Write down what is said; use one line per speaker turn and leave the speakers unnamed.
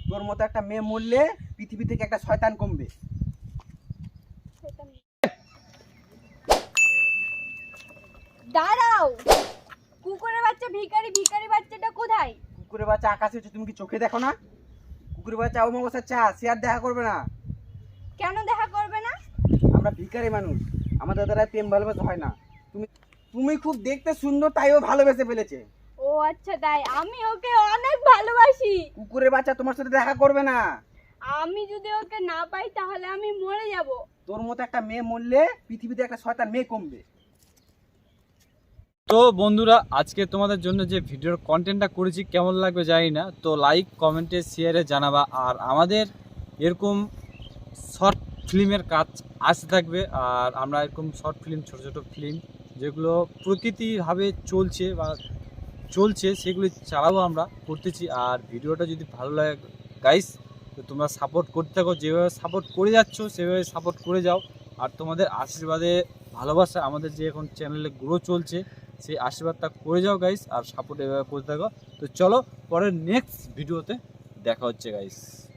তোর মতো একটা মেয়ে মরলে পৃথিবী থেকে একটা শয়তান কমবে।
দাঁড়াও, কুকুরের বাচ্চা ভিখারি বাচ্চাটা কোথায়?
কুকুরের বাচ্চা আকাশে হচ্ছে, তুমি কি চোখে দেখো না? কুকুরের বাচ্চা অমাবস্যার চা, সে আর দেখা করবে না।
কেন দেখা করবে না?
আমরা ভিখারি মানুষ, আমাদের দ্বারা প্রেম ভালোবাসা হয় না। তুমি তুমি খুব দেখতে সুন্দর, তাই ও ভালোবেসে ফেলেছে।
ও আচ্ছা, তাই? আমি ওকে অনেক ভালোবাসি।
কুকুরের বাচ্চা তোমার সাথে দেখা করবে না।
আমি যদি ওকে না পাই তাহলে আমি মরে যাব।
তোর মতো একটা মেয়ে মরলে পৃথিবীতে একটা শয়তান মেয়ে কমবে।
তো বন্ধুরা, আজকে তোমাদের জন্য যে ভিডিওর কন্টেন্টটা করেছি কেমন লাগবে জানি না, তো লাইক কমেন্টে শেয়ারে জানাবা। আর আমাদের এরকম শর্ট ফিল্মের কাজ আসতে থাকবে, আর আমরা এরকম শর্ট ফিল্ম, ছোট ছোট ফিল্ম যেগুলো প্রকৃতিভাবে চলছে সেগুলো চালাবো, আমরা করতেছি। আর ভিডিওটা যদি ভালো লাগে গাইস, তো তোমরা সাপোর্ট করতে থাকো, যেভাবে সাপোর্ট করে যাচ্ছ সেভাবে সাপোর্ট করে যাও। আর তোমাদের আশীর্বাদে, ভালোবাসা আমাদের যে এখন চ্যানেলে গ্রো চলছে, সেই আশীর্বাদটা করে যাও গাইস, আর সাপোর্ট এভাবে করতে থাকো। তো চলো, পরের নেক্সট ভিডিওতে দেখা হচ্ছে গাইস।